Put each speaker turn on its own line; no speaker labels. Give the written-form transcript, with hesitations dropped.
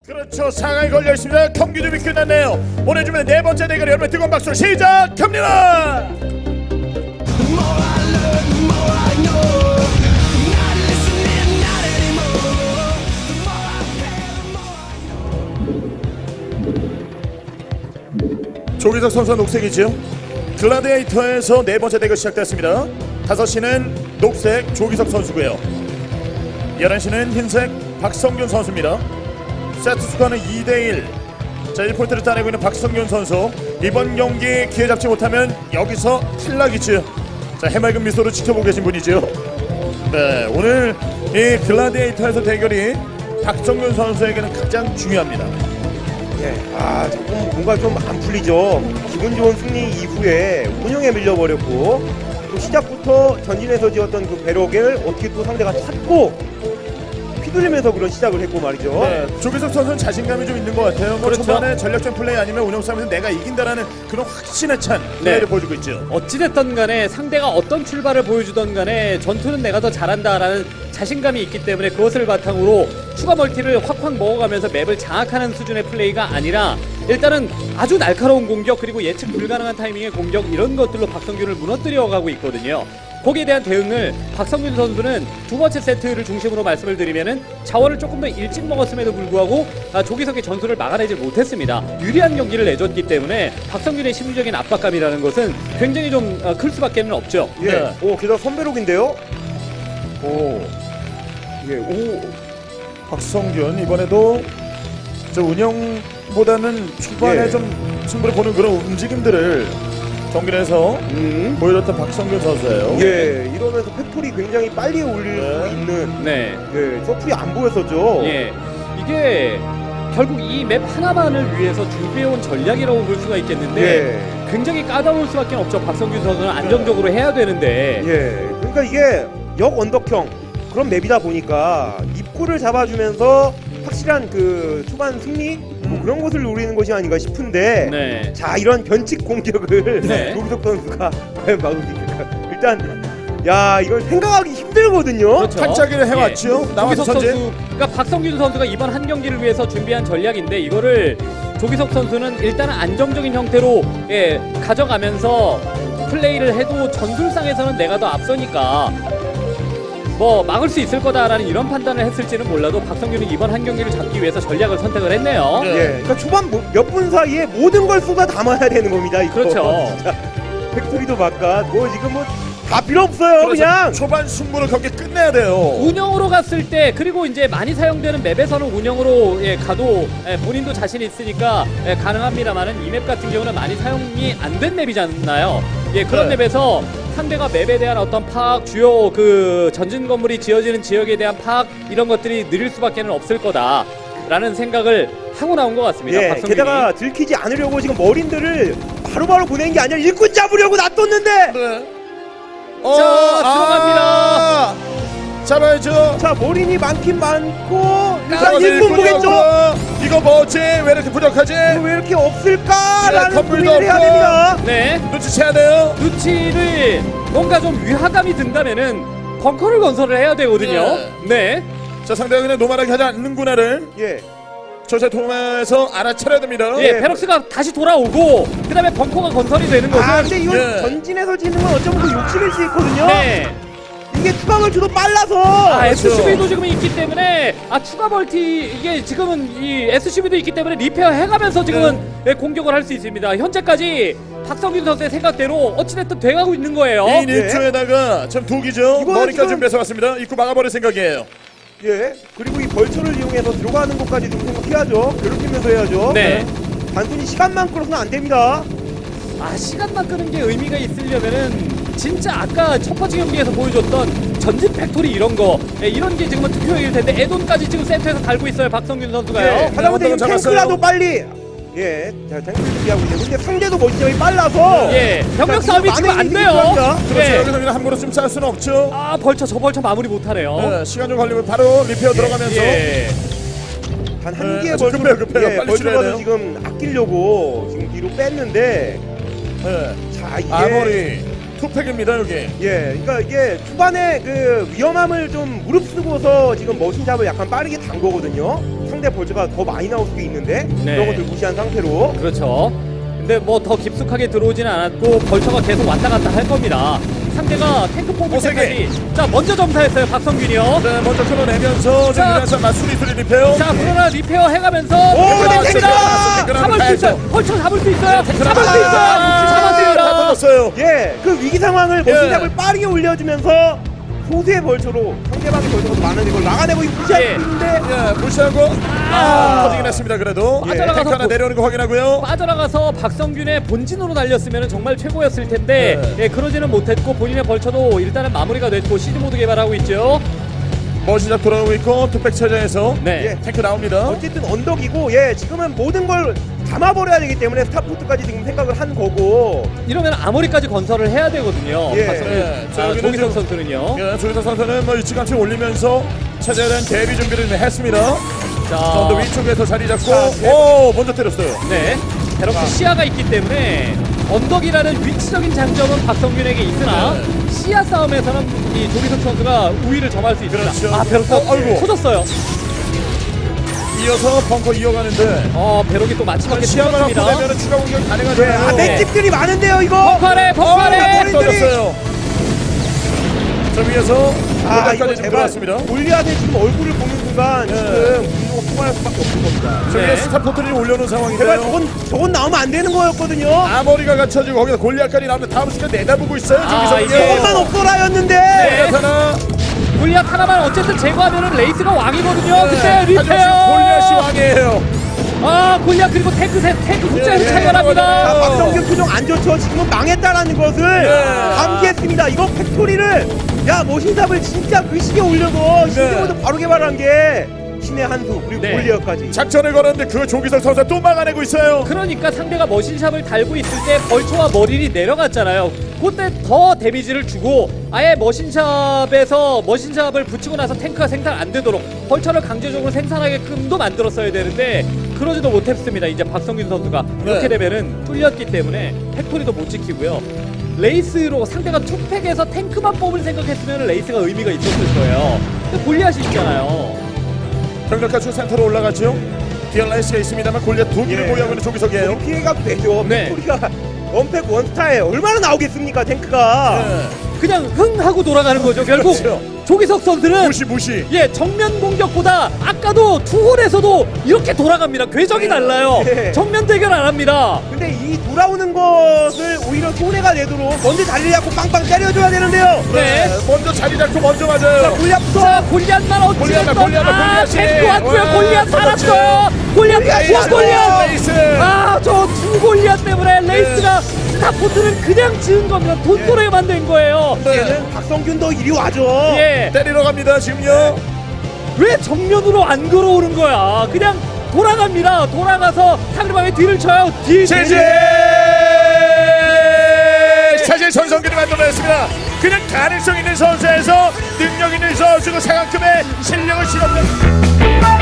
그렇죠. 상황이 걸려 있습니다. 경기 준비 끝났네요. 오늘 주면 네 번째 대결 여러분 뜨거운 박수 시작합니다. 조기석 선수가 녹색이죠. 글라디에이터에서 네 번째 대결 시작됐습니다. 5시는 녹색 조기석 선수고요. 11시는 흰색 박성균 선수입니다. 세트 스코어는 2대1. 자, 1포인트를 따내고 있는 박성균 선수. 이번 경기 기회 잡지 못하면 여기서 탈락이죠. 자, 해맑은 미소로 지켜보고 계신 분이죠. 네, 오늘 이 글라디에이터에서 대결이 박성균 선수에게는 가장 중요합니다.
네, 조금 뭔가 좀 안 풀리죠. 기분 좋은 승리 이후에 운영에 밀려버렸고 또 시작부터 전진해서 지었던 그 배럭을 어떻게 또 상대가 찾고 휘둘리면서 그런 시작을 했고 말이죠.
네, 조기석 선수는 자신감이 좀 있는 것 같아요. 뭐
그렇죠.
초반에 전략적 플레이 아니면 운영 싸움에서 내가 이긴다라는 그런 확신에 찬 플레이를 보여주고 있죠.
어찌됐든 간에 상대가 어떤 출발을 보여주던 간에 전투는 내가 더 잘한다라는 자신감이 있기 때문에 그것을 바탕으로 추가 멀티를 확확 먹어가면서 맵을 장악하는 수준의 플레이가 아니라 일단은 아주 날카로운 공격 그리고 예측 불가능한 타이밍의 공격 이런 것들로 박성균을 무너뜨려가고 있거든요. 거기에 대한 대응을 박성균 선수는 두 번째 세트를 중심으로 말씀을 드리면은 자원을 조금 더 일찍 먹었음에도 불구하고 조기석의 전술을 막아내지 못했습니다. 유리한 경기를 내줬기 때문에 박성균의 심리적인 압박감이라는 것은 굉장히 좀 클 수밖에는 없죠.
예.
네.
오, 게다가 선배록인데요. 오. 예. 오.
박성균 이번에도 저 운영보다는 초반에
예.
좀 승부를 보는 그런 움직임들을 경기에서 보여줬던 박성균 선수예요.
예. 이러면서 팩토리 굉장히 빨리 올릴 수 있는
네.
예. 서플이 안 보였었죠.
예. 이게 결국 이 맵 하나만을 위해서 준비해온 전략이라고 볼 수가 있겠는데
예.
굉장히 까다로울 수밖에 없죠. 박성균 선수는 안정적으로 해야 되는데
예. 그러니까 이게 역 언덕형 그런 맵이다 보니까 입구를 잡아주면서 확실한 그 초반 승리 뭐 그런 것을 노리는 것이 아닌가 싶은데
네.
자 이런 변칙 공격을
네.
조기석 선수가 과연 막을 수 있을까? 일단 야 이걸 생각하기 힘들거든요.
그렇죠.
탄짜기를 해왔죠. 나와서
조기석
전제.
선수, 그러니까 박성균 선수가 이번 한 경기를 위해서 준비한 전략인데 이거를 조기석 선수는 일단은 안정적인 형태로 가져가면서 플레이를 해도 전술상에서는 내가 더 앞서니까 뭐 막을 수 있을 거다라는 이런 판단을 했을지는 몰라도 박성균은 이번 한 경기를 잡기 위해서 전략을 선택을 했네요.
네.
예, 그러니까 초반 몇 분 사이에 모든 걸 쏟아 담아야 되는 겁니다. 이거.
그렇죠.
진짜 팩토리도 바깥 뭐 지금 뭐 다 필요 없어요. 그냥.
초반 승부를 경기 끝내야 돼요.
운영으로 갔을 때 그리고 이제 많이 사용되는 맵에서는 운영으로 가도 본인도 자신 있으니까 가능합니다만은 이 맵 같은 경우는 많이 사용이 안 된 맵이잖아요. 그런
네.
맵에서 상대가 맵에 대한 어떤 파악, 주요 그 전진 건물이 지어지는 지역에 대한 파악 이런 것들이 느릴 수밖에는 없을 거다라는 생각을 하고 나온 것 같습니다.
예,
박성균이.
게다가 들키지 않으려고 지금 머린들을 바로바로 보낸 게 아니라 일꾼 잡으려고 놔뒀는데.
네.
들어갑니다.
잡아야죠.
자 머린이 많긴 많고 일단
잡아서
일꾼 보겠죠.
이거 뭐지? 왜 이렇게 부족하지?
왜 이렇게 없을까라는
네, 건물도
고민을 해야
없고.
됩니다.
네.
눈치채야 돼요.
눈치를 뭔가 좀 위화감이 든다면은 벙커를 건설을 해야 되거든요. 네.
자, 상대가 그냥 노말하게 하지 않는구나를
예.
조세 통해서 알아차려야 됩니다.
예, 베럭스가 다시 돌아오고 그다음에 벙커가 건설이 되는 것은
근데 이건
예.
전진해서 지는 건 어쩌면 그 욕심일 수 있거든요.
네.
이게 추가 멀티도 빨라서.
SCV도 지금 있기 때문에 추가 멀티 이게 지금은 이 SCV도 있기 때문에 리페어 해가면서 지금은 공격을 할 수 있습니다. 현재까지 박성균 선수의 생각대로 어찌됐든 돼가고 있는 거예요.
2인 1조에다가 지금 두기죠.
이거는
머리까지
지금-
준비해서 왔습니다. 입구 막아버릴 생각이에요.
예. 그리고 이 벌처를 이용해서 들어가는 것까지 좀 생각해야죠. 괴롭히면서 해야죠.
네.
단순히 시간만 끌어서는 안 됩니다.
시간만 끄는 게 의미가 있으려면은 진짜 아까 첫 번째 경기에서 보여줬던 전진 팩토리 이런 거 이런 게 지금은 투표일 텐데 에돈까지 지금 세트에서 달고 있어요. 박성균 선수가요.
예. 하다못해
어떤 건
탱크라도 빨리. 예. 자, 탱크 준비하고 있는데 근데 상대도 멀티점이 빨라서.
병력
자,
싸움이
많은
지금 안
일이
돼요.
필요합니다.
그렇죠. 여기서 그냥 함부로 좀 쌀 수는 없죠.
저 벌처 마무리 못하네요.
네, 시간 좀 걸리면 바로 리페어 들어가면서
예.
단 한
네,
개의
아주 급해요.
예,
빨리 줄여야 돼요.
벌처라도 지금 아끼려고 지금 뒤로 뺐는데
네.
자 이게
아머리 투팩입니다 여기.
예, 그러니까 이게 초반에 그 위험함을 좀 무릅쓰고서 지금 머신잡을 약간 빠르게 단 거거든요. 상대 벌처가 더 많이 나올 수도 있는데
네.
그런 것들 무시한 상태로.
그렇죠. 근데 뭐 더 깊숙하게 들어오지는 않았고 벌처가 계속 왔다 갔다 할 겁니다. 상대가 탱크 뽑을 때까지 자 먼저 점사했어요 박성균이요.
네, 먼저 끌어내면서 지금
자.
이래서 수리수리 리페어.
자 그러나 리페어 해가면서
근데 탱크가!
잡을 수 있어요. 벌처 잡을 수 있어요. 잡을 수 있어요.
다
잡았습니다.
터졌어요.
예, 그 위기 상황을 머신잡을 빠르게 올려주면서 소수의 벌처로 상대방의 벌처가 많은데 이걸 막아내고
예.
무시하는데
예, 무시하고 터지긴 했습니다. 그래도
예.
탱크 하나 내려오는 거 확인하고요.
빠져나가서 박성균의 본진으로 달렸으면 정말 최고였을 텐데
네.
예, 그러지는 못했고 본인의 벌처도 일단은 마무리가 됐고 시드 모드 개발하고 있죠.
머신작 돌아오고 있고 투팩 체제에서
네.
탱크 나옵니다.
어쨌든 언덕이고 예 지금은 모든 걸 담아버려야 되기 때문에 스타포트까지 지금 생각을 한 거고
이러면 아머리까지 건설을 해야 되거든요.
예.
박성균,
예. 자, 여기는
조기석
지금-
선수는요.
예, 조기석 선수는 뭐 일찌감치 올리면서 체제에 대한 대비 준비를 했습니다.
자,
언더 위쪽에서 자리 잡고
자,
오 먼저 때렸어요.
네. 베럭스 시야가 있기 때문에 언덕이라는 위치적인 장점은 박성균에게 있으나
네.
시야 싸움에서는 이 조기석 선수가 우위를 점할 수 있습니다.
그렇죠.
아 베럭스
아이고.
터졌어요.
이어서 벙커 이어가는데
베럭이 또 마지막에
시야만 갖고
터졌습니다.
되면 추가 공격
예,
가능하잖아요.
아 맷집들이 많은데요 이거.
벙커래 벙커래.
터졌어요. 저 위에서
아 이거
골까지 좀
제발
들어왔습니다.
골리앗의 지금 얼굴을 보는 순간
네.
지금 분노가 폭발할 수밖에 없는 겁니다.
저 위에
네.
스타포트를 올려놓은
제발
상황인데요.
저건 나오면 안 되는 거였거든요.
아머리가 갖춰지고 거기서 골리앗까지 나오면 다음 순간 내다보고 있어요.
아,
저기서
이게-
저것만 없어라였는데.
네.
하나.
골리앗 하나만 어쨌든 제거하면은 레이스가 왕이거든요. 근데
하지만 지금
리페어.
골리앗이 왕이에요.
골리앗 그리고 탱크 숫자에서
예,
차이가
자,
납니다.
박성균 표정 안 좋죠. 지금은 망했다라는 것을
네.
감지했습니다. 이거 팩토리를 야 머신삽을 진짜 그 시기에 올려서 시즌모드 바로 개발한 게 신의 한수 그리고
네.
골리앗까지.
작전을 걸었는데 그 조기석 선수가 또 막아내고 있어요.
그러니까 상대가 머신샵을 달고 있을 때 벌초와 머리를 내려갔잖아요. 그때 더 데미지를 주고 아예 머신샵에서 머신샵을 붙이고 나서 탱크가 생산 안 되도록 벌처를 강제적으로 생산하게끔도 만들었어야 되는데 그러지도 못했습니다. 이제 박성균 선수가 이렇게
네.
되면은 뚫렸기 때문에 팩토리도 못 지키고요. 레이스로 상대가 투팩에서 탱크만 뽑을 생각했으면 레이스가 의미가 있었을 거예요. 근데 골리앗이 있잖아요.
병력가축 센터로 올라가죠. 디얼라이스가 있습니다만 골리앗 두 개를
예.
보유하고 있는 조기석이에요.
여기 피해가도 되죠.
네.
팩토리가 원팩 원스타에 얼마나 나오겠습니까 탱크가.
네.
그냥 흥 하고 돌아가는 거죠. 결국
그렇죠.
조기석 선수는
무시.
예, 정면 공격보다 아까도 투홀에서도 이렇게 돌아갑니다. 궤적이 달라요.
네.
정면 대결 안 합니다.
근데 이 돌아오는 것을 오히려 손해가 되도록 먼저 자리를 잡고 빵빵 때려줘야 되는데요.
네.
먼저 자리 잡고 먼저
자
맞아요.
골리앗부터.
자, 골리앗만 어찌됐건
골리앗.
탱크 왔고요.
와,
골리앗
그렇지.
살았어요. 골리앗
골리앗,
골리앗.
레이스.
저 두 골리앗 때문에 레이스가 스타포트는 그냥 지은 겁니다. 돈토레만 된 거예요.
얘는 박성균도 이리 와줘.
예.
때리러 갑니다 지금요.
왜 정면으로 안 걸어오는 거야? 그냥 돌아갑니다. 돌아가서 상대방의 뒤를 쳐요.
제재. 사실 전성기를 만들어냈습니다. 그냥 가능성 있는 선수에서 능력 있는 선수고 상한급의 실력을 실험한